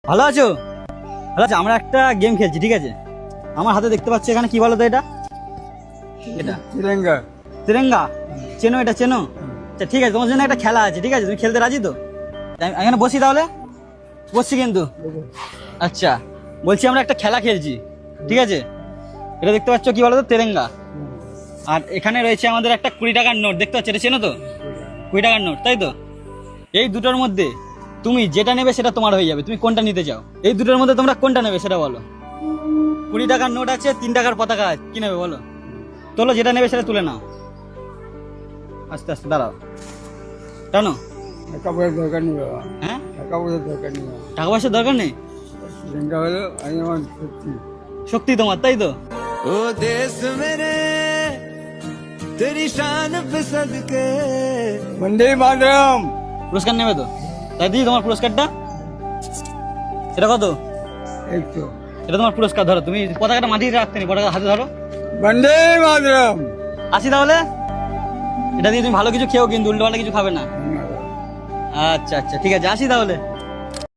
ভালো আছো? ভালো আছো? আমরা একটা গেম খেলছি, ঠিক আছে? আমার হাতে দেখতে পাচ্ছ এখানে কি বলো তো এটা? এটা তিরঙ্গা। তিরঙ্গা চেনো? এটা চেনো? আচ্ছা ঠিক আছে, তোমার জন্য একটা খেলা আছে, ঠিক আছে? তুমি খেলতে রাজি তো? আমি এখানে বসি তাহলে? বসছি কিন্তু। আচ্ছা বলছি আমরা একটা খেলা খেলছি, ঠিক আছে? এটা দেখতে পাচ্ছ কি বলো তো? তিরঙ্গা। আর এখানে রয়েছে আমাদের একটা 20 টাকার নোট, দেখতে পাচ্ছ? এটা চেনো তো? 20 টাকার নোট, তাই তো? এই দুটোর মধ্যে তুমি যেটা নেবে সেটা তোমার হয়ে যাবে। তুমি কোনটা নিতে চাও? এই দুটোর মধ্যে তোমরা কোনটা নেবে সেটা বলো। 20 টাকার নোট আছে, 3 টাকার পতাকা আছে, কি নেবে বলো? তোলো, যেটা নেবে সেটা তুলে নাও। আস্তে আস্তে দাঁড়াও। টানো। টাকা পয়সার দরকার নেই বাবা, হ্যাঁ, টাকা পয়সার দরকার নেই বাবা। টাকা পয়সার দরকার নেই। তিরঙ্গা হলো আমি আমার সত্যি। শক্তি তোমার, তাই তো? ओ देश मेरे तेरी शान पे सदके বন্দে মাতরম। পুরস্কার নেবে তো? তাই দিই তোমার পুরস্কারটা। এটা কত? এই তো এটা তোমার পুরস্কার। ধরো, তুমি পতাকাটা মাটিতে রাখতে নি, পতাকা হাতে ধরো। বন্দে মাতরম। আসি তাহলে। এটা দিয়ে তুমি ভালো কিছু খেও, কিন্তু উল্টো পাল্টা কিছু খাবে না। আচ্ছা আচ্ছা ঠিক আছে, আসি তাহলে।